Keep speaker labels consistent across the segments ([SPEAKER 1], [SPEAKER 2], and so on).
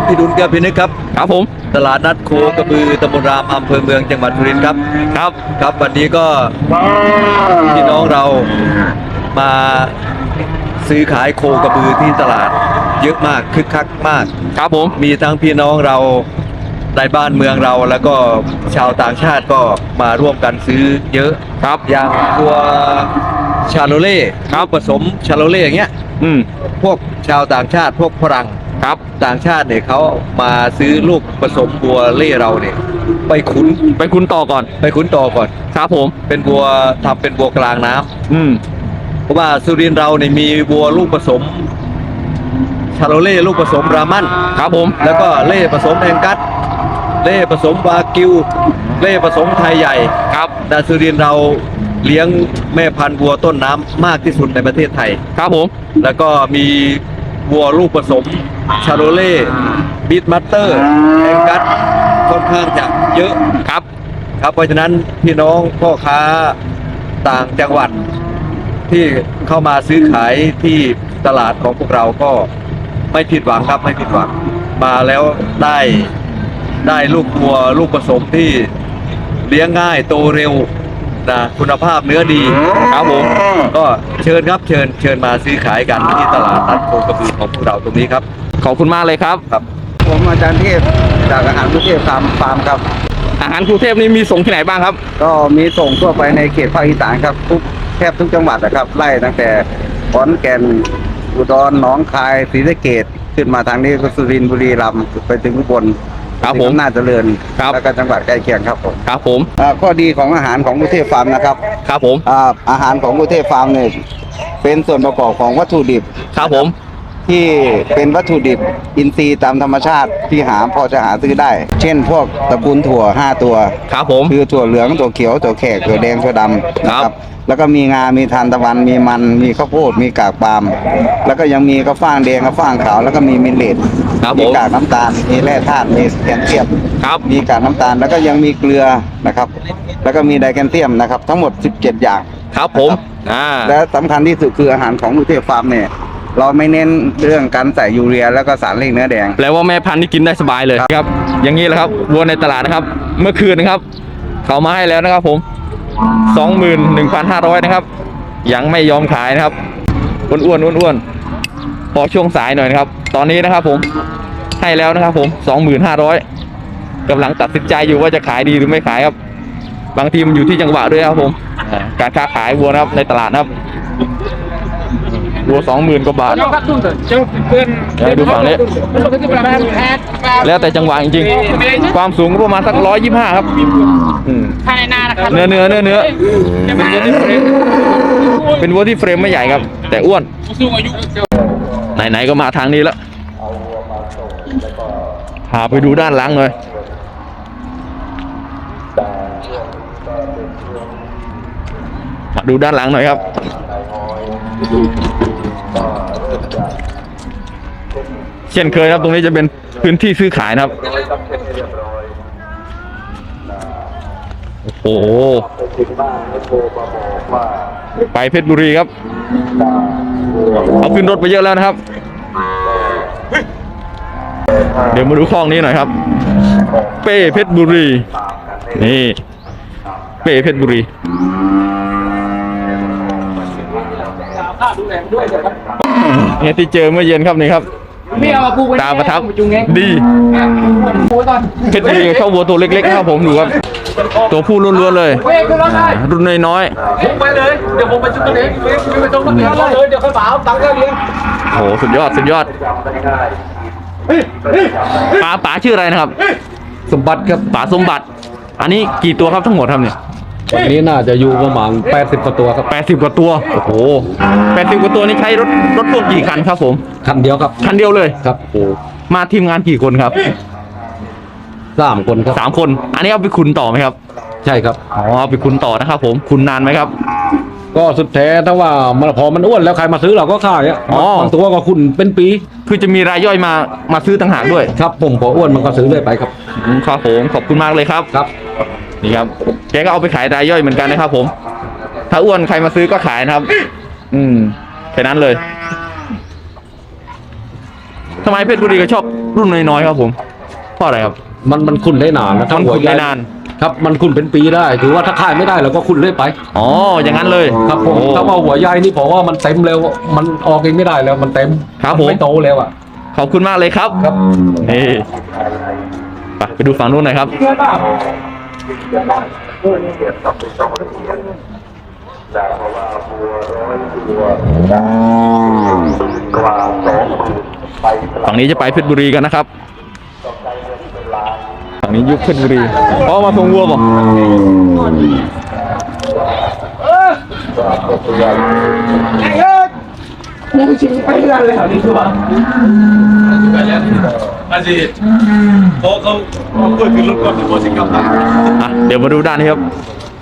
[SPEAKER 1] พี่ดุลแก้วพินึกครับ
[SPEAKER 2] ครับผม
[SPEAKER 1] ตลาดนัดโคกระบือตำบลรามอำเภอเมืองจังหวัดสุรินทร์ครับครับวันนี้ก็พี่น้องเรามาซื้อขายโคกระบือที่ตลาดเยอะมากคึกคักมาก
[SPEAKER 2] ครับผม
[SPEAKER 1] มีทั้งพี่น้องเราในบ้านเมืองเราแล้วก็ชาวต่างชาติก็มาร่วมกันซื้อเยอะ
[SPEAKER 2] ครับ
[SPEAKER 1] อย่างตัวชาโลเล่ครับผสมชาโลเล่อย่างเงี้ยพวกชาวต่างชาติพวกฝรั่ง
[SPEAKER 2] ครับ
[SPEAKER 1] ต่างชาติเนี่ยเขามาซื้อลูกผสมบัวเล่เราเนี่ยไปขุน
[SPEAKER 2] ต่อก่อน
[SPEAKER 1] ครับผมเป็นบัวทำเป็นบัวกลางน้ำเพราะว่าสุรินทร์เราเนี่ยมีบัวลูกผสมชาโลเล่ลูกผสมรามัน
[SPEAKER 2] ครับผม
[SPEAKER 1] แล้วก็เล่ผสมแองกัสเล่ผสมวากิวเล่ผสมไทยใหญ่
[SPEAKER 2] ครับ
[SPEAKER 1] แต่สุรินทร์เราเลี้ยงแม่พันธุ์วัวต้นน้ำมากที่สุดในประเทศไทย
[SPEAKER 2] ครับผม
[SPEAKER 1] แล้วก็มีวัวลูกผสมชาโลเล่บีทมัตเตอร์แองกัสค่อนข้างจะเยอะ
[SPEAKER 2] ครับ
[SPEAKER 1] เพราะฉะนั้นพี่น้องพ่อค้าต่างจังหวัดที่เข้ามาซื้อขายที่ตลาดของพวกเราก็ไม่ผิดหวังครับไม่ผิดหวังมาแล้วได้ลูกวัวลูกผสมที่เลี้ยงง่ายโตเร็วนะคุณภาพเนื้อดี
[SPEAKER 2] ครับผม
[SPEAKER 1] ก็เชิญครับเชิญมาซื้อขายกันที่ตลาดนัดโคกระบือของพวกเราตรงนี้ครับ
[SPEAKER 2] ขอบคุณมากเลยครับ
[SPEAKER 3] ผมอาจารย์เทพจากอาหารกรุงเทพฟาร์มครับ
[SPEAKER 2] อาหารกรุงเทพนี่มีส่งที่ไหนบ้างครับ
[SPEAKER 3] ก็มีส่งทั่วไปในเขตภาคอีสานครับแทบทุกจังหวัดนะครับไล่ตั้งแต่ขอนแก่นอุดรหนองคายศรีสะเกษขึ้นมาทางนี้ก็สุรินทร์บุรีรัมย์ไปถึงอุบล
[SPEAKER 2] ครับผม
[SPEAKER 3] น่าเจริญแล้วก็จังหวัดใกล้เคียงครับผม
[SPEAKER 2] ครับผม
[SPEAKER 3] ข้อดีของอาหารของกรุงเทพฟาร์มนะครับ
[SPEAKER 2] ครับผม
[SPEAKER 3] อาหารของกรุงเทพฟาร์มเนี่ยเป็นส่วนประกอบของวัตถุดิบ
[SPEAKER 2] ครับผม
[SPEAKER 3] ที่เป็นวัตถุดิบอินทรีย์ตามธรรมชาติที่พอจะหาซื้อได้เช่นพวกตระกูลถั่ว5ตัว
[SPEAKER 2] ครับผม
[SPEAKER 3] คือถั่วเหลืองถั่วเขียวถั่วแขกถั่วแดงถั่วดำนะครับแล้วก็มีงามีทานตะวันมีมันมีข้าวโพดมีกากปาล์มแล้วก็ยังมีข้าวฟ่างแดงข้าวฟ่างขาวแล้วก็มีมิลเลตมีกากน้ำตาลมีแร่ธาตุมีแคลเซียมมีกากน้ำตาลแล้วก็ยังมีเกลือนะครับแล้วก็มีไดแคลเซียมนะครับทั้งหมด17อย่าง
[SPEAKER 2] ครับผม
[SPEAKER 3] และสำคัญที่สุดคืออาหารของกรุงเทพฟาร์มเนี่ยเราไม่เน้นเรื่องการใส่ยูเรียแล้วก็สารเร่งเนื้อแดง
[SPEAKER 2] แปลว่าแม่พันธุ์นี่กินได้สบายเลยครับอย่างนี้แหละครับวัวในตลาดนะครับเมื่อคืนนะครับเขามาให้แล้วนะครับผม 21,500 นะครับยังไม่ยอมขายนะครับอ้วนพอช่วงสายหน่อยนะครับตอนนี้นะครับผมให้แล้วนะครับผม 25,000กำลังตัดสินใจอยู่ว่าจะขายดีหรือไม่ขายครับบางทีมันอยู่ที่จังหวะด้วยครับผมการค้าขายวัวนะครับในตลาดนะครับวัว 20,000 กว่าบาทดูฝั่งนี้แล้วแต่จังหวะจริงๆความสูงก็ประมาณสัก125ครับเนื้อเป็นวัวที่เฟรมไม่ใหญ่ครับแต่อ้วนไหนๆก็มาทางนี้แล้วพาไปดูด้านหลังหน่อยดูด้านหลังหน่อยครับเช่นเคยครับตรงนี้จะเป็นพื้นที่ซื้อขายนะครับโอ้โหไปเพชรบุรีครับเอาขึ้นรถไปเยอะแล้วนะครับเดี๋ยวมาดูคลองนี้หน่อยครับเป้เพชรบุรีนี่เป้เพชรบุรีเนี่ยที่เจอเมื่อเย็นครับนี่ครับตาประทับดีเพชรบุรีเข้าวัวตัวเล็กๆครับผมดูครับตัวผู้ล้วนๆเลยรุ่นน้อย
[SPEAKER 4] ๆไปเลยเดี๋ยวผมไปจุดตัวเองไปตรงนั้นเลยเดี๋ยวค่อยเปล่าตังค์ก็เลี้ยง
[SPEAKER 2] โอ้สุดยอดป๋าชื่ออะไรนะครับ
[SPEAKER 4] สมบัติครับ
[SPEAKER 2] ป๋าสมบัติอันนี้กี่ตัวครับทั้งหมดครับเนี่ย
[SPEAKER 4] วันนี้น่าจะอยู่ประมาณ80 กว่าตัวครับ
[SPEAKER 2] 80 กว่าตัวโอ้โห80 กว่าตัวนี่ใช้รถพ่วงกี่คันครับผม
[SPEAKER 4] คันเดียวครับ
[SPEAKER 2] คันเดียวเลย
[SPEAKER 4] ครับโอ้
[SPEAKER 2] มาทีมงานกี่คนครับ
[SPEAKER 4] 3 คนครับ
[SPEAKER 2] 3 คนอันนี้เอาไปคุณต่อไหมครับ
[SPEAKER 4] ใช่ครับ
[SPEAKER 2] อ๋อเอาไปคุณต่อนะครับผมคุณนานไหมครับ
[SPEAKER 4] ก็สุดแท้ถ้าว่าพอมันอ้วนแล้วใครมาซื้อเราก็ขายบางตัวก็คุณเป็นปี
[SPEAKER 2] คือจะมีรายย่อยมาซื้อต่างหากด้วย
[SPEAKER 4] ครับผมพออ้วนมันก็ซื้อเลยไปครับ
[SPEAKER 2] ครับผมขอบคุณมากเลยครับ
[SPEAKER 4] ครับ
[SPEAKER 2] นี่ครับแกก็เอาไปขายรายย่อยเหมือนกันนะครับผมถ้าอ้วนใครมาซื้อก็ขายนะครับแค่นั้นเลยทำไมเพชรบุรีก็ชอบรุ่นน้อยๆครับผมเพราะอะไรครับ
[SPEAKER 4] มันคุณได้นานนะ
[SPEAKER 2] มันขุนได้นาน
[SPEAKER 4] ครับมันคุณเป็นปีได้ถือว่าถ้าขายไม่ได้เราก็คุณเรื่อยไป
[SPEAKER 2] อ๋ออย่างนั้นเลย
[SPEAKER 4] ครับผม
[SPEAKER 2] โอ้
[SPEAKER 4] ถ้าว่าหัวใหญ่นี่ผมว่ามันเต็มแล้วมันออกเองไม่ได้แล้วมันเต็ม
[SPEAKER 2] ครับ
[SPEAKER 4] น
[SPEAKER 2] ผม
[SPEAKER 4] ไม่โตแล้วอ่ะ
[SPEAKER 2] ขอบคุณมากเลยครับ
[SPEAKER 4] ครับ
[SPEAKER 2] นี่ไปดูฝั่งนู้นหน่อยครับ ฝั่งนี้จะไปเพชรบุรีกันนะครับ ฝั่งนี้ยุคเพชรบุรีอ๋อมาส่งวัวป่ะเดี๋ยวมาดูด้านนี้ครับ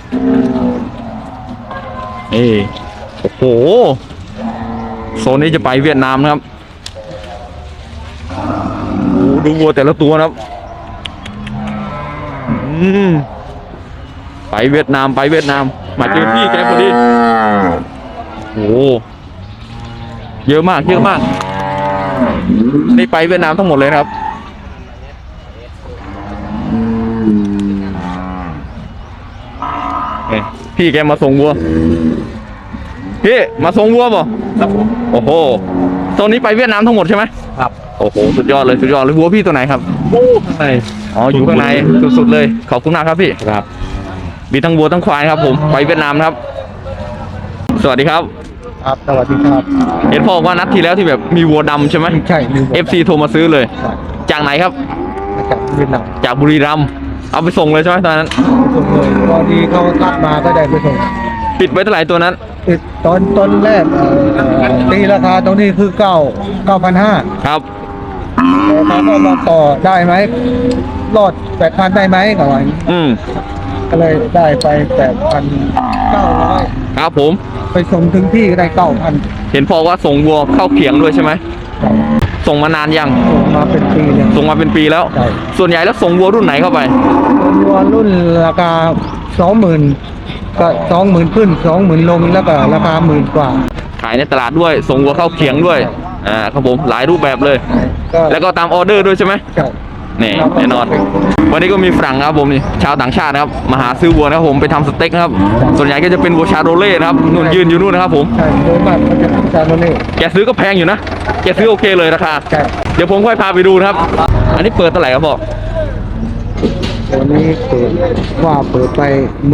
[SPEAKER 2] นี่โอ้โหโซนนี้จะไปเวียดนามนะครับโอ้ดูวัวแต่ละตัวนะครับไปเวียดนามมาเจอพี่แกพอดีโอ้เยอะมากนี่ไปเวียดนามทั้งหมดเลยนะครับพี่แกมาส่งวัวพี่มาส่งวัวป่ะโอ้โหตรงนี้ไปเวียดนามทั้งหมดใช่ไหมครับโอ้โหสุดยอดเลยวัวพี่ตัวไหนครับข้างในอ๋ออยู่ข้างในสุดๆเลยขอบคุณมากครับพี่ครับมีทั้งวัวทั้งควายครับผมไปเวียดนามครับสวัสดีครับ
[SPEAKER 3] ครับสวัสดีครับ
[SPEAKER 2] เห็นพ่อบอกว่านัดที่แล้วที่แบบมีวัวดำใช่ไหม
[SPEAKER 3] ใช่
[SPEAKER 2] FC โทรมาซื้อเลย จากไหนครับ
[SPEAKER 3] มาจากเวียดนาม
[SPEAKER 2] จากบุรีรัมย์เอาไปส่งเลยใช่ไหมตอนนั้น
[SPEAKER 3] ส่งเลยพอดีเขาคัดมาก็ได้ไปส่ง
[SPEAKER 2] ปิดไว้เท่าไหร่ตัวนั้น
[SPEAKER 3] ตอนแรกตีราคาตรงนี้คือ9,500
[SPEAKER 2] ครับ
[SPEAKER 3] แต่เขาก็มาต่อได้ไหมรอด 8,000 ได้ไหมกับวัน ก็เลยได้ไป 8,900
[SPEAKER 2] ครับผม
[SPEAKER 3] ไปส่งถึงที่ก็ได้ 9,000
[SPEAKER 2] เห็นพ่อว่าส่งวัวเข้าเขียงด้วยใช่ไหมส่งมานานยัง
[SPEAKER 3] ส่งมาเป็นปีเลย
[SPEAKER 2] ส่งมาเป็นปีแล้ว
[SPEAKER 3] ใช่
[SPEAKER 2] ส่วนใหญ่แล้วส่งวัวรุ่นไหนเข้าไป
[SPEAKER 3] ตัวรุ่นราคา 20,000 ก็ 20,000 ขึ้น 20,000 ลงแล้วก็ราคา10,000 กว่า
[SPEAKER 2] ขายในตลาดด้วยส่งวัวเข้าเขียงด้วยครับผมหลายรูปแบบเลย
[SPEAKER 3] ก็
[SPEAKER 2] แล้วก็ตามออเดอร์ด้วยใช่ไหม
[SPEAKER 3] ใช่
[SPEAKER 2] นี่แน่นอน วันนี้ก็มีฝรั่งครับผมนี่ชาวต่างชาตินะครับมาหาซื้อวัวนะครับผมไปทำสเต็กนะครับส่วนใหญ่ก็จะเป็นวัวชาโรเล่นะครับนู่นยืนอยู่นู่นนะครับผม
[SPEAKER 3] ใช่โดยมากมันจะจานโนเล่
[SPEAKER 2] แกซื้อก็แพงอยู่นะแกซื้อโอเคเลยราคา
[SPEAKER 3] ใช่
[SPEAKER 2] เดี๋ยวผมค่อยพาไปดูนะครับ อันนี้เปิดเท่าไหร่ครับพ่อ
[SPEAKER 3] ตัวนี้เปิดไป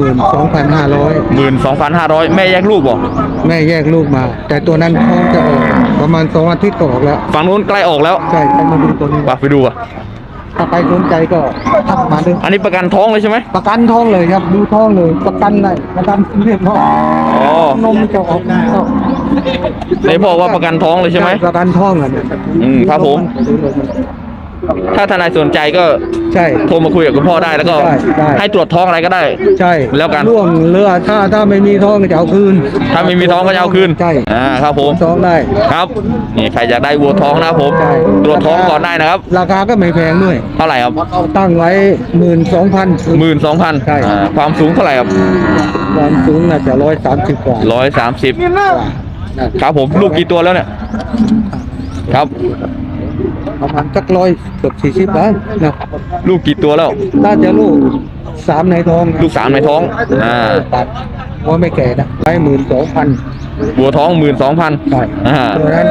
[SPEAKER 3] 12,500
[SPEAKER 2] 12,500แม่แยกลูกบ่
[SPEAKER 3] แม่แยกลูกมา แต่ตัวนั้นท้องจะออกประมาณ2 อาทิตย์ก็ออกแล้ว
[SPEAKER 2] ฝั่งนู้นใกล้ออกแล้ว
[SPEAKER 3] ใช่ใครมาดูตัวนี้
[SPEAKER 2] ไปดูอ่ะ
[SPEAKER 3] ถ้าใครสนใจก็ทักมาดู
[SPEAKER 2] อันนี้ประกันท้องเลยใช่ไหม
[SPEAKER 3] ประกันท้องเลยครับดูท้องเลยประกันได้ประกันเรียบร้อย
[SPEAKER 2] อ๋อน
[SPEAKER 3] มจะออกก็
[SPEAKER 2] ไหนบอกว่าประกันท้องเลยใช่ไหม
[SPEAKER 3] ประกันท้องอ่ะเนี่ย
[SPEAKER 2] ครับผม ถ้าทนายสนใจก็
[SPEAKER 3] ใช่
[SPEAKER 2] โทรมาคุยกับคุณพ่อได้แล้วก็
[SPEAKER 3] ได้
[SPEAKER 2] ให้ตรวจท้องอะไรก็ได้
[SPEAKER 3] ใช่
[SPEAKER 2] แล้วกัน
[SPEAKER 3] ร่วงเรือถ้าไม่มีท้องก็จะเอาคืน
[SPEAKER 2] ถ้าไม่มีท้องก็จะเอาคืน
[SPEAKER 3] ใช่
[SPEAKER 2] ครับผม
[SPEAKER 3] ท้องได้
[SPEAKER 2] ครับนี่ใครอยากได้วัวท้องนะครับผม
[SPEAKER 3] ใช่
[SPEAKER 2] ตรวจท้องก่อนได้นะครับ
[SPEAKER 3] ราคาก็ไม่แพงด้วย
[SPEAKER 2] เท่าไหร่ครับ
[SPEAKER 3] ตั้งไว้ 12,000
[SPEAKER 2] 12,000
[SPEAKER 3] ใช่
[SPEAKER 2] ความสูงเท่าไหร่ครับ
[SPEAKER 3] ความสูงน่าจะ130 กว่า
[SPEAKER 2] 130ครับผมลูกกี่ตัวแล้วเนี่ยครับ
[SPEAKER 3] ประมาณสัก100 เกือบ40 ล้านนะ
[SPEAKER 2] ลูกกี่ตัวแล้ว
[SPEAKER 3] น่าจะลูก3ในท้อง
[SPEAKER 2] ลูก3ในท้อง
[SPEAKER 3] ตัดว่าไม่แก่นะไว้12,000
[SPEAKER 2] วัวท้อง 12,000
[SPEAKER 3] ใช่ตัวนั้น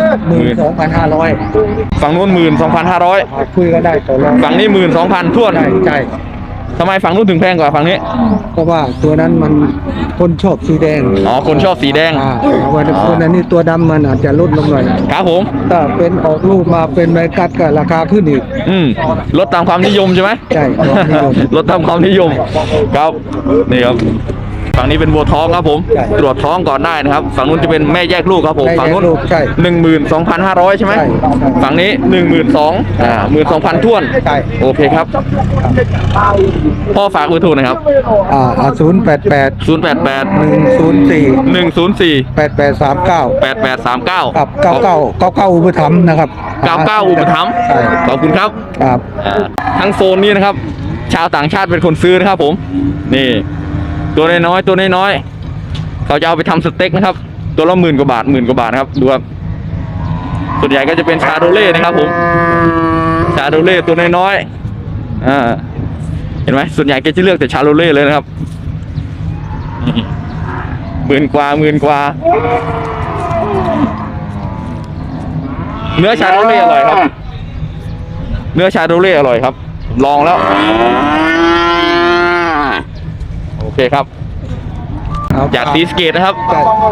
[SPEAKER 3] 12,500
[SPEAKER 2] ฝั่งนู้น 12,500
[SPEAKER 3] คุยก็ได้ต่อรอง
[SPEAKER 2] ฝั่งนี้ 12,000ท้วน
[SPEAKER 3] ใช่ใช่
[SPEAKER 2] ทำไมฝั่งนู้นถึงแพงกว่าฝั่งนี้
[SPEAKER 3] เพราะว่าตัวนั้นมันคนชอบสีแดง
[SPEAKER 2] อ๋อคนชอบสีแดง
[SPEAKER 3] วันตัวนั้นนี่ตัวดำมันอาจจะลดลงหน่อย
[SPEAKER 2] ครับผม
[SPEAKER 3] ถ้าเป็นออกลูกมาเป็นใบกัดก็ราคาขึ้นอีก
[SPEAKER 2] ลดตามความนิยมใช่ไหม
[SPEAKER 3] ใช่ความนิยม
[SPEAKER 2] ลดตามความนิยมครับนี่ครับฝั่งนี้เป็นวัวท้องครับผม
[SPEAKER 3] ใช่
[SPEAKER 2] ตรวจท้องก่อนได้นะครับฝั่งนู้นจะเป็นแม่แยกลูกครับผม
[SPEAKER 3] แม่แยก
[SPEAKER 2] ฝั่งนู้น
[SPEAKER 3] ลูกใช่
[SPEAKER 2] 12,500ใช่ไหม
[SPEAKER 3] ใช่
[SPEAKER 2] ฝั่งนี้12,000ท้วน
[SPEAKER 3] ใช่
[SPEAKER 2] โอเคครับพ่อฝากเบอร์โทรหน่อยครับ
[SPEAKER 3] 088
[SPEAKER 2] 088
[SPEAKER 3] 104
[SPEAKER 2] 104
[SPEAKER 3] 8839
[SPEAKER 2] 8839
[SPEAKER 3] กับ99อุปถัมภ์นะครับ
[SPEAKER 2] 99อุปถัมภ์
[SPEAKER 3] ใช่
[SPEAKER 2] ขอบคุณครับ
[SPEAKER 3] ครับ
[SPEAKER 2] ทั้งโซนนี้นะครับ ชาวต่างชาติเป็นคนซื้อนะครับผม นี่ ตัวน้อยๆเขาจะเอาไปทำสเต็กนะครับ ตัวละ10,000 กว่าบาทครับดูครับส่วนใหญ่ก็จะเป็นชาโรเล่นะครับผมาโดเล่ตัวน้อยๆเห็นไหมส่วนใหญ่แกจะเลือกแต่ชาโดเล่เลยนะครับหมื่นกว่าเนื้อชาโดเล่อร่อยครับเนื้อชาโดเล่อร่อยครับผมลองแล้วโอเคครับจากซีสเกตนะครับ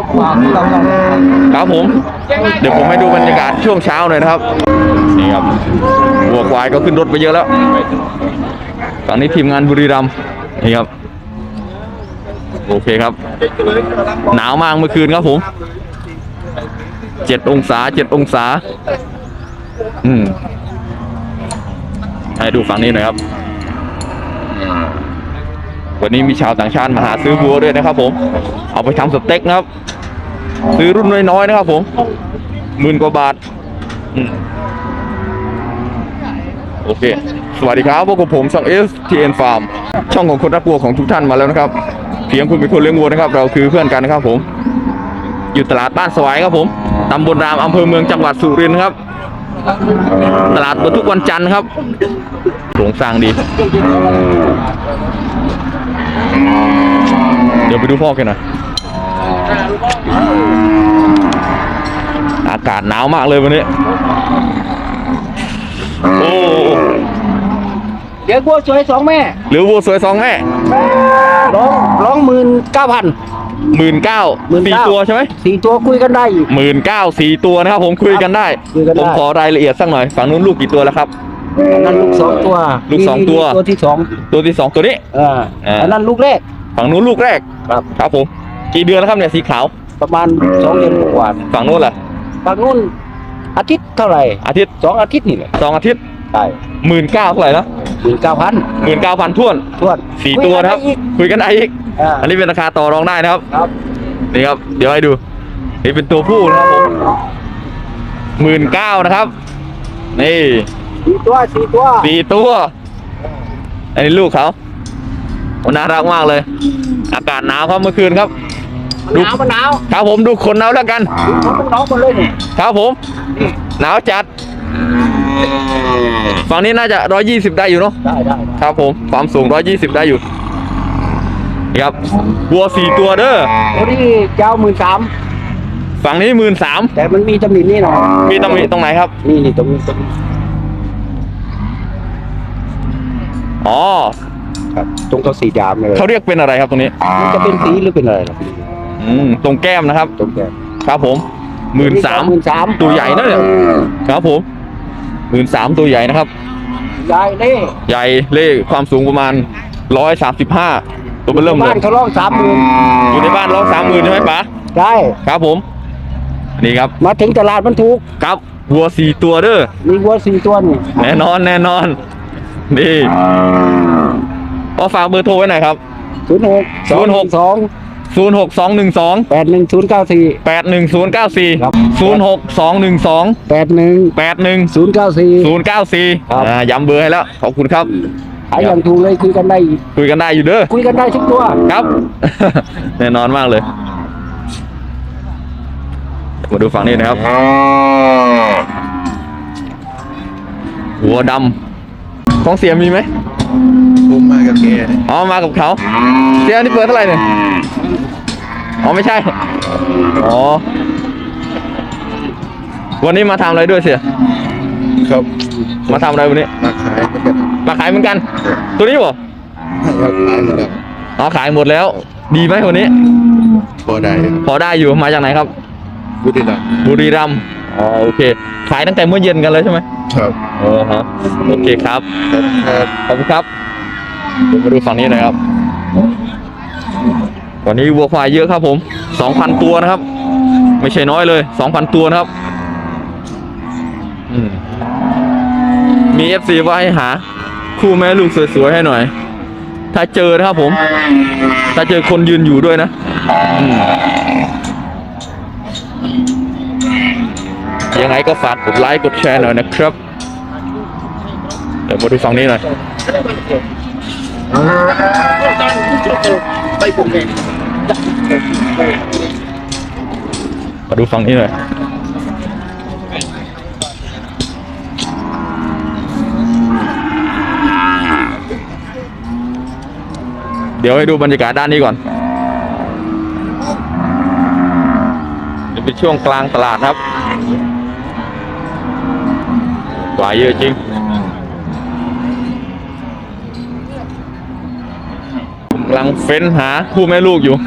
[SPEAKER 2] ครับผมเดี๋ยวผมให้ดูบรรยากาศช่วงเช้าหน่อยนะครับนี่ครับวัวควายก็ขึ้นรถไปเยอะแล้วตอนนี้ทีมงานบุรีรัมย์นี่ครับโอเคครับหนาวมากเมื่อคืนครับผม7 องศาให้ดูฝั่งนี้หน่อยครับวันนี้มีชาวต่างชาติมาหาซื้อวัวด้วยนะครับผมเอาไปทำสเต็กนะครับซื้อรุ่นน้อยๆนะครับผม10,000 กว่าบาทโอเคสวัสดีครับพวกผมช่อง STN Farm ช่องของคนรักวัวของทุกท่านมาแล้วนะครับเพียงคุณเป็นคนเลี้ยงวัวนะครับเราคือเพื่อนกันนะครับผมอยู่ตลาดบ้านสวายครับผมตำบลรามอำเภอเมืองจังหวัดสุรินทร์ครับตลาดเปิดทุกวันจันทร์ครับโครงสร้างดีเดี๋ยวไปดูพ่อกันหน่อยอากาศหนาวมากเลยวันนี้โอ้
[SPEAKER 5] เดี๋ยววัวสวย2 แม่
[SPEAKER 2] หรือวัวสวย2 แม่
[SPEAKER 5] ร้อง19,000
[SPEAKER 2] 19,000 4 ตัวใช่ไหม
[SPEAKER 5] 4 ตัวคุยกันได้อีก
[SPEAKER 2] 19,000 4 ตัวนะครับผมคุยกันได้ผมขอรายละเอียดสักหน่อยฝั่งนู้นลูกกี่ตัวแล้วครับ
[SPEAKER 5] อันนั้นลูก2 ตัว
[SPEAKER 2] ลูก2 ตัว
[SPEAKER 5] ตัวที่2
[SPEAKER 2] ตัวนี้
[SPEAKER 5] อันนั้นลูกแรก
[SPEAKER 2] ฝั่งนู้นลูกแรกครับผมกี่เดือนแล้วครับเนี่ยสีขาว
[SPEAKER 5] ประมาณ2 เดือนกว่า
[SPEAKER 2] ฝั่งนู้นล่ะ
[SPEAKER 5] ฝั่งนู้นอาทิตย์เท่าไหร่
[SPEAKER 2] อาทิตย์
[SPEAKER 5] 2 อาทิตย์นี่แหละ
[SPEAKER 2] 2 อาทิตย์
[SPEAKER 5] ใช่
[SPEAKER 2] 19,000 เท่าไหร่นะ
[SPEAKER 5] 19,000
[SPEAKER 2] ท้วน4 ตัวนะครับคุยกันได้อีกอันนี้เป็นราคาต่อรองได้นะครับนี่ครับเดี๋ยวให้ดูนี่เป็นตัวผู้นะครับผม19,000นะครับนี่
[SPEAKER 5] 4 ตัว
[SPEAKER 2] อันนี้ลูกเขาน่ารักมากเลยอากาศหนาวครับเมื่อคืนครับ
[SPEAKER 5] มันหนาว
[SPEAKER 2] ครับผมดูขนเอาแล้วกัน
[SPEAKER 5] มันหนาวหมดเลยนี่
[SPEAKER 2] ครับผมหนาวจัดฝั่งนี้น่าจะ120ได้อยู่เนาะ
[SPEAKER 5] ได้
[SPEAKER 2] ครับผมความสูง120ได้อยู่ครับวัว4 ตัวเด้อ
[SPEAKER 5] ตัวนี้เจ้า13,000
[SPEAKER 2] ฝั่งนี้13,000
[SPEAKER 5] แต่มันมีตำหนินี่หน่อย
[SPEAKER 2] มีตำหนิตรงไหนครับ
[SPEAKER 5] นี่ตรงนี้
[SPEAKER 2] อ๋อ
[SPEAKER 5] ครับตรงตัวสีดำเลย
[SPEAKER 2] เขาเรียกเป็นอะไรครับตรงนี้
[SPEAKER 5] มันจะเป็นสีหรือเป็นอะไรครับ
[SPEAKER 2] ตรงแก้มนะครับ
[SPEAKER 5] ตรงแก้ม
[SPEAKER 2] ครับผม13,000ตัวใหญ่นะเนี่ยครับผม13,000ตัวใหญ่นะครับ
[SPEAKER 5] ใหญ่
[SPEAKER 2] เล่ความสูงประมาณ135ตัวเริ่มเลย
[SPEAKER 5] บ้านเขาร้อง30,000
[SPEAKER 2] อยู่ในบ้านร้อง30,000ใช่ไหมป๋า
[SPEAKER 5] ใช่
[SPEAKER 2] ครับผมนี่ครับ
[SPEAKER 5] มาถึงตลาดมันถูก
[SPEAKER 2] ครับวัว4 ตัวเด้อ
[SPEAKER 5] มีวัว4 ตัวนี่
[SPEAKER 2] แน่นอนนี่ก็ฝากเบอร์โทรไว้หน่อยครับ06212
[SPEAKER 5] 81094
[SPEAKER 2] 06212 ย้ำเบอร์ให้แล้วขอบคุณครับ
[SPEAKER 5] ขายอย่างถูกเลยคุยกันได้
[SPEAKER 2] อยู่เด้อ
[SPEAKER 5] คุยกันได้ทุกตัว
[SPEAKER 2] ครับ แน่นอนมากเลยมาดูฝั่งนี้นะครับหัวดำของเสียมีไหม
[SPEAKER 3] ผมมากับแก
[SPEAKER 2] มากับเขาเสียนี่เปิดเท่าไหร่เนี่ยไม่ใช่วันนี้มาทำอะไรด้วยเสีย
[SPEAKER 3] ครับ
[SPEAKER 2] มาทำอะไรวันนี้มาขายเหมือนกันตัวนี้บ่ขายหมดแล้วดีไหมวันนี้
[SPEAKER 3] พอได้
[SPEAKER 2] อยู่มาจากไหนครับ
[SPEAKER 3] บุ
[SPEAKER 2] รีรัมย์โอเคขายตั้งแต่เมื่อเย็นกันเลยใช่ไหม
[SPEAKER 3] ครับ
[SPEAKER 2] โอเคครับขอบคุณครับมาดูฝั่งนี้หน่อยครับวันนี้วัวควายเยอะครับผม 2,000 ตัวนะครับไม่ใช่น้อยเลย 2,000 ตัวนะครับมี FC ว่าให้หาคู่แม่ลูกสวยๆให้หน่อยถ้าเจอนะครับผมถ้าเจอคนยืนอยู่ด้วยนะยังไงก็ฝากกดไลค์กดแชร์หน่อยนะครับเดี๋ยวมาดูฝั่งนี้หน่อยมาดูฝั่งนี้หน่อยเดี๋ยวให้ดูบรรยากาศด้านนี้ก่อนจะเป็นช่วงกลางตลาดครับกว่าเยอะจริงผมกำลังเฟ้นหาคู่แม่ลูกอยู่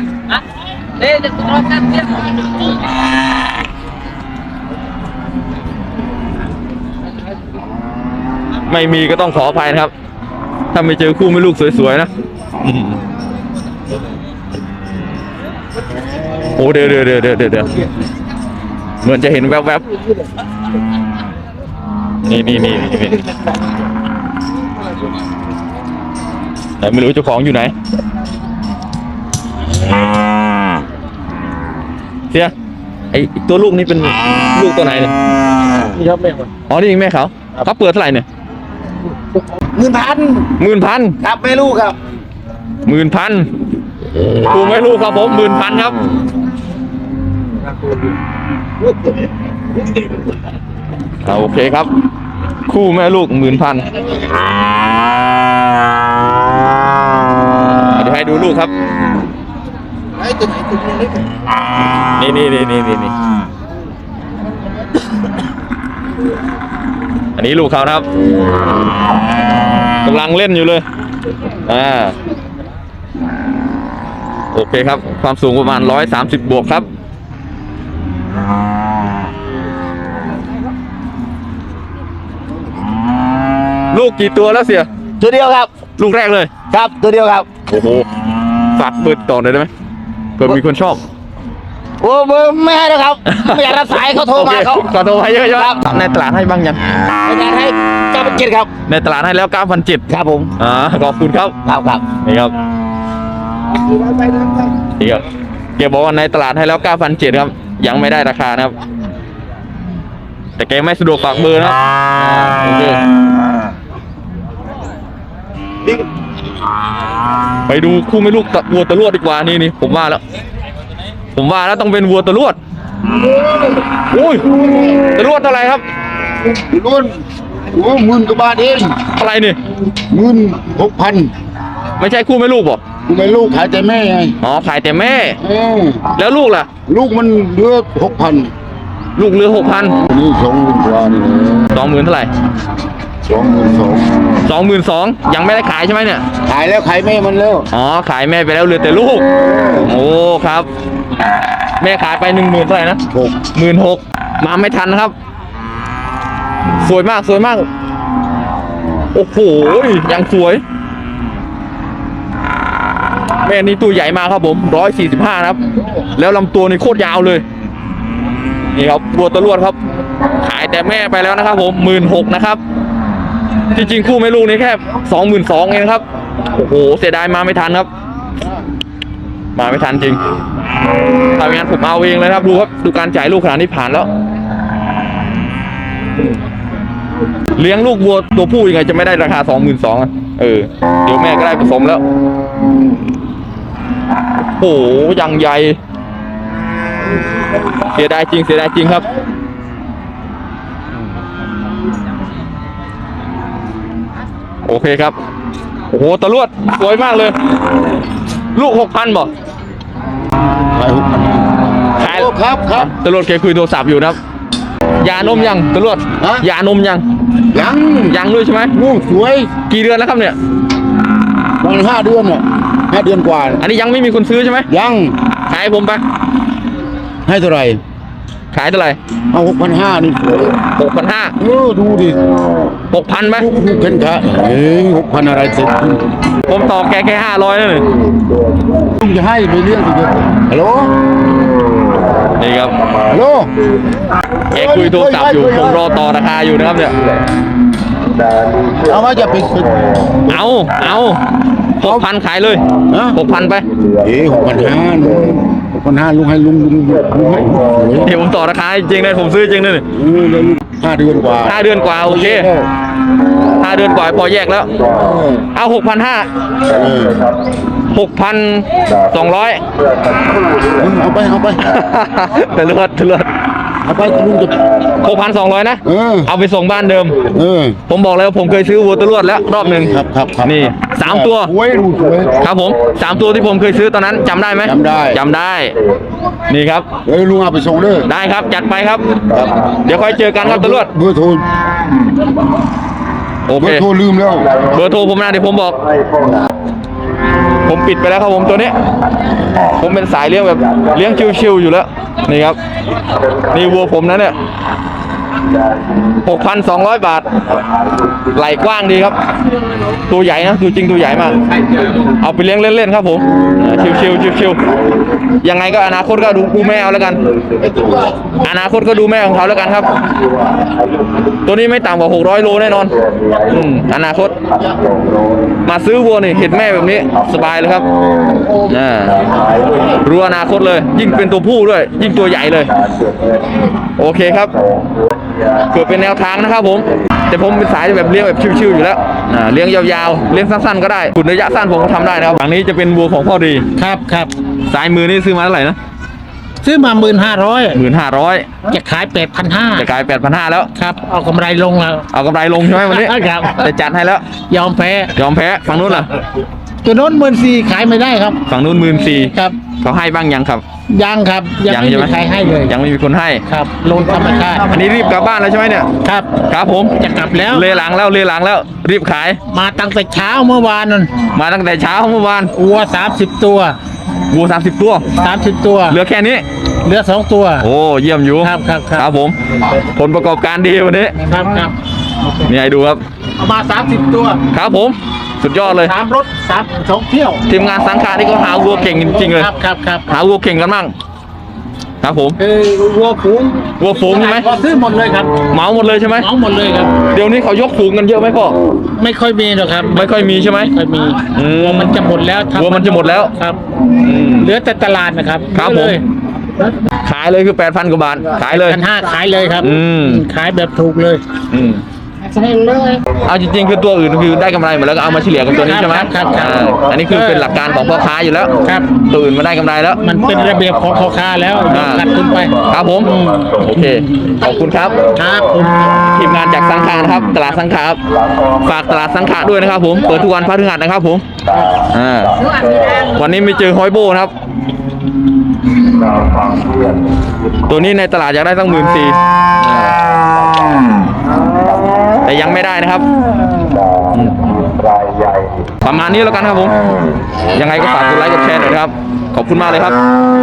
[SPEAKER 2] ไม่มีก็ต้องขออภัยนะครับถ้าไม่เจอคู่แม่ลูกสวยๆนะโอ้เดี๋ยวเหมือนจะเห็นแวบๆนี่แต่ไม่รู้เจ้าของอยู่ไหนเสียไอตัวลูกนี่เป็นลูกตัวไหนเนี่ย
[SPEAKER 5] นี่ครับแม่มัน
[SPEAKER 2] อ๋อนี่เองแม่เขาเปิดเท่าไหร่เนี่ย
[SPEAKER 3] 10,000ครับไม่รู้ครับ
[SPEAKER 2] 10,000ถูกไหมลูกครับผม10,000ครับโอเคครับคู่แม่ลูก10,000เดี๋ยวให้ดูลูกครับนี่อันนี้ลูกเขานะครับกำลังเล่นอยู่เลยโอเคครับความสูงประมาณ130บวกครับลูกกี่ตัวแล้วเสีย
[SPEAKER 3] ตัวเดียวครับ
[SPEAKER 2] ลูกแรกเลย
[SPEAKER 3] ครับตัวเดียวครับ
[SPEAKER 2] โอ้โหฝากเปิดต่อหน่อยได้ไหมเผื่อมีคนชอบ
[SPEAKER 3] โอ้ไม่ให้แล้วครับไม่อยากรับสายเขาโทรมาเขา
[SPEAKER 2] ขอโทรมาเยอะๆครับในตลาดให้บ้างยัง
[SPEAKER 3] ไม่อยากให้9,700ครับ
[SPEAKER 2] ในตลาดให้แล้ว9,700
[SPEAKER 3] ครับผม
[SPEAKER 2] ขอบคุณครับ
[SPEAKER 3] ครับ
[SPEAKER 2] นี่ครับนี่ครับแกบอกว่าในตลาดให้แล้ว9,700ครับยังไม่ได้ราคานะครับแต่แกไม่สะดวกฝากเบอร์นะครับโอเคไปดูคู่ไม่ลูกวัวตะลวดดีกว่านี่ผมว่าแล้วต้องเป็นวัวตะลวดอุ้ยตะลวดเท่าไหร่ครับ
[SPEAKER 3] รุ่น10,000 กว่าบาทเอง
[SPEAKER 2] เท่าไหร่นี่
[SPEAKER 3] 16,000
[SPEAKER 2] ไม่ใช่คู่ไม่ลูกบอก
[SPEAKER 3] กูไม่ลูกขายแต่แม่ไง
[SPEAKER 2] อ๋อขายแต่แม่แล้วลูกล่ะ
[SPEAKER 3] ลูกมันเหลือ6,000
[SPEAKER 2] ลูกเรือ6,000
[SPEAKER 3] นี่20,000 กว่านี่
[SPEAKER 2] 20,000เท่าไหร่ 22,000ยังไม่ได้ขายใช่ไหมเนี่ย
[SPEAKER 3] ขายแล้วขายแม่มันแล้ว
[SPEAKER 2] อ๋อขายแม่ไปแล้วเหลือแต่ลูกโอ้ครับแม่ขายไป10,000เท่าไหร่นะ16,000มาไม่ทันนะครับสวยมากโอ้โหยังสวยแม่นี่ตัวใหญ่มากครับผม145นะครับแล้วลำตัวนี่โคตรยาวเลยนี่ครับบัวตะลวดครับขายแต่แม่ไปแล้วนะครับผม16,000นะครับจริงๆคู่แม่ลูกนี่แค่22,000เองครับโอ้โหเสียดายมาไม่ทันครับมาไม่ทันจริงถ้าไม่งั้นผมเอาเองเลยครับดูครับดูการจ่ายลูกขนาดนี้ผ่านแล้วเลี้ยงลูกวัวตัวผู้ยังไงจะไม่ได้ราคา22,000อ่ะเดี๋ยวแม่ก็ได้ผสมแล้วโอ้โหยังใหญ่เสียดายจริงครับโอเคครับโอ้โหตะลวดสวยมากเลยลูก6,000บ่ขายครับตะลวดแกคุยโทรศัพท์อยู่นะครับยานมยังตะลวดยานมยังด้วยใช่ไหม
[SPEAKER 3] สวย
[SPEAKER 2] กี่เดือนแล้วครับเนี่ย
[SPEAKER 3] มัน5 เดือนอ่ะ5 เดือนกว่า
[SPEAKER 2] อันนี้ยังไม่มีคนซื้อใช่ไหม
[SPEAKER 3] ยัง
[SPEAKER 2] ขายผมไป
[SPEAKER 3] ให้เท่าไหร่
[SPEAKER 2] ขายเท่าไหร่
[SPEAKER 3] เอา6,500นี่
[SPEAKER 2] 6,500
[SPEAKER 3] ดูดิ
[SPEAKER 2] 6,000ไหม
[SPEAKER 3] ดูเข็นขา6,000อะไรเสร็จ
[SPEAKER 2] ผมต่อแกแค่500นั่นเลย
[SPEAKER 3] ลุงจะให้ไปเรื่องอีกฮัลโหล
[SPEAKER 2] นี่ครับ
[SPEAKER 3] ฮัลโหล
[SPEAKER 2] แกคุยโทรศัพท์อยู่ผมรอต่อราคาอยู่นะครับเนี่ย
[SPEAKER 3] เอาว่าจะไป
[SPEAKER 2] เอา 6,000ขายเลย6,000ไป
[SPEAKER 3] 6,500ลุงให้ลุงให้
[SPEAKER 2] เดี๋ยวผมต่อราคาจริงเลยผมซื้อจริงเลย
[SPEAKER 3] 5 เดือนกว่า
[SPEAKER 2] 5 เดือนกว่าโอเค5 เดือนกว่าพอแยกแล้วเอา6,500 6,200
[SPEAKER 3] เอาไป
[SPEAKER 2] ตะเลือด
[SPEAKER 6] เอาไปลุงจะ
[SPEAKER 2] 6,200นะ เอาไปส่งบ้านเดิม
[SPEAKER 6] เออ
[SPEAKER 2] ผมบอกแล้วผมเคยซื้อวัวตะลวดแล้วรอบหนึ่ง
[SPEAKER 6] ครับครับครับ
[SPEAKER 2] นี่3 ตัว
[SPEAKER 6] โอ้ยดูสวย
[SPEAKER 2] ครับผม3 ตัวที่ผมเคยซื้อตอนนั้นจำได้ไหม
[SPEAKER 6] จำได้
[SPEAKER 2] จำได้ นี่ครับ
[SPEAKER 6] เฮ้ยลุงเอาไปส่งเด้อ
[SPEAKER 2] ได้ครับจัดไปครับ เดี๋ยวค่อยเจอกันครับตะลวด
[SPEAKER 6] เบอร์โทร
[SPEAKER 2] โอ
[SPEAKER 6] เบ
[SPEAKER 2] เค
[SPEAKER 6] อร์โทรลืมแล้ว
[SPEAKER 2] เบอร์โทรผมนะเดี๋ยวผมบอก ผมปิดไปแล้วครับผมตัวนี้ ผมเป็นสายเลี้ยงแบบเลี้ยงชิวๆอยู่แล้ว นี่ครับ นี่วัวผมนะเนี่ย 6,200 บาท ไหล่กว้างดีครับ ตัวใหญ่นะตัวจริงตัวใหญ่มาก เอาไปเลี้ยงเล่นๆครับผมชิวๆยังไงก็อนาคตก็ดูแม่เอาแล้วกัน อนาคตก็ดูแม่ของเขาแล้วกันครับ ตัวนี้ไม่ต่ำกว่า600 โลแน่นอนอนาคต มาซื้อวัวนี่เห็นแม่แบบนี้สบายเลยครับรู้อนาคตเลย ยิ่งเป็นตัวผู้ด้วย ยิ่งตัวใหญ่เลย โอเคครับเกิดเป็นแนวทางนะครับผม แต่ผมเป็นสายแบบเลี้ยงแบบชิวๆอยู่แล้วเลี้ยงยาวๆเลี้ยงสั้นๆก็ได้ขุนระยะสั้นผมก็ทำได้นะครับฝั่งนี้จะเป็นวัวของพ่อดี
[SPEAKER 7] ครับครับ
[SPEAKER 2] สายมือนี่ซื้อมาเท่าไหร่นะ
[SPEAKER 7] ซื้อมา
[SPEAKER 2] 15,500
[SPEAKER 7] 1,500จะขาย8,500
[SPEAKER 2] จะกลาย 8,500 แล้ว
[SPEAKER 7] ครับเอากำไรลงแล้ว
[SPEAKER 2] เอากำไรลงใช่ไหมวันนี้
[SPEAKER 7] ครับ
[SPEAKER 2] แต่จัดให้แล้ว
[SPEAKER 7] ยอมแพ้
[SPEAKER 2] ยอมแพ้ฝั่งนู้นล่ะ
[SPEAKER 7] ตัวโน้น14,000ขายไม่ได้ครับ
[SPEAKER 2] ฝั่งนู้น14,000
[SPEAKER 7] ครับ
[SPEAKER 2] เขาให้บ้างยังครับ
[SPEAKER 7] ยังครับยังไม่
[SPEAKER 2] ใช่
[SPEAKER 7] มี
[SPEAKER 2] ไหม
[SPEAKER 7] ใครให้เลย
[SPEAKER 2] ยังไม่มีคนให้
[SPEAKER 7] ครับโลนธรรมชาติ
[SPEAKER 2] อันนี้รีบกลับบ้านแล้วใช่ไหมเนี่ย
[SPEAKER 7] ครับ
[SPEAKER 2] ครับผม
[SPEAKER 7] จะกลับแล้ว
[SPEAKER 2] เลหลังแล้วรีบขาย
[SPEAKER 7] มาตั้งแต่เช้าเมื่อวานนั่น
[SPEAKER 2] มาตั้งแต่เช้าเมื่อวาน
[SPEAKER 7] วัว30 ตัว
[SPEAKER 2] วัว30 ตัว
[SPEAKER 7] 30 ตัว
[SPEAKER 2] เหลือแค่นี้
[SPEAKER 7] เหลือ2 ตัว
[SPEAKER 2] โอ้เยี่ยมอยู่
[SPEAKER 7] ครับครับครับ
[SPEAKER 2] ครับผมผลประกอบการดีวันนี้
[SPEAKER 7] ครับครับ
[SPEAKER 2] นี่ให้ดูครับ
[SPEAKER 7] เอามา30 ตัว
[SPEAKER 2] ครับผมสุดยอดเลย
[SPEAKER 7] 3 รถ2 เที่ยว
[SPEAKER 2] ทีมงานสังขารนี่เขาหาวัวเก่งจริงๆเลย
[SPEAKER 7] ครับครับครับ
[SPEAKER 2] หาวัวเก่งกันมั่งครับผม
[SPEAKER 7] วัวฝูง
[SPEAKER 2] วัวฝูงใช่ไหม
[SPEAKER 7] พอซื้อหมดเลยครับ
[SPEAKER 2] เหมาหมดเลยใช่ไหม
[SPEAKER 7] เหมาหมดเลยครับ
[SPEAKER 2] เดี๋ยวนี้เขายกฝูงกันเยอะไหมพ่อ
[SPEAKER 7] ไม่ค่อยมีหรอกครับ
[SPEAKER 2] ไม่ค่อยมีใช่ไหม
[SPEAKER 7] ไม่ค่อยมี
[SPEAKER 2] อืม
[SPEAKER 7] วัวมันจะหมดแล้ว
[SPEAKER 2] วัวมันจะหมดแล้ว
[SPEAKER 7] ครับ
[SPEAKER 2] อืม
[SPEAKER 7] เหลือแต่ตลาดนะครับ
[SPEAKER 2] ครับผม ขายเลยคือ 8,000 กว่าบาทขายเลย
[SPEAKER 7] 1,500ขายเลยครับ
[SPEAKER 2] อืม
[SPEAKER 7] ขายแบบถูกเลย
[SPEAKER 2] อืมเอาจริงๆคือตัวอื่นคือได้กำไรหมดแล้วก็เอามาเฉลี่ยกับตัวนี้ใช่ไหม
[SPEAKER 7] ครับครับ
[SPEAKER 2] อันนี้คือเป็นหลักการของพ่อค้าอยู่แล้ว
[SPEAKER 7] ครับ
[SPEAKER 2] ตัวอื่นมาได้กำไรแล้ว
[SPEAKER 7] มันเป็นระเบียบของพ่อค้าแล้วกัดขึ้นไป
[SPEAKER 2] ครับผมโอเคขอบคุณครับ
[SPEAKER 7] ครับผม
[SPEAKER 2] ทีมงานจากสังขารนะครับตลาดสังขารครับฝากตลาดสังขารด้วยนะครับผมเปิดทุกวันพฤหัสนะครับผมวันนี้ไม่เจอฮอยโบนะครับตัวนี้ในตลาดอยากได้ตั้ง14,000แต่ยังไม่ได้นะครับประมาณนี้แล้วกันครับผมยังไงก็ฝากกดไลค์กดแชร์หน่อยนะครับขอบคุณมากเลยครับ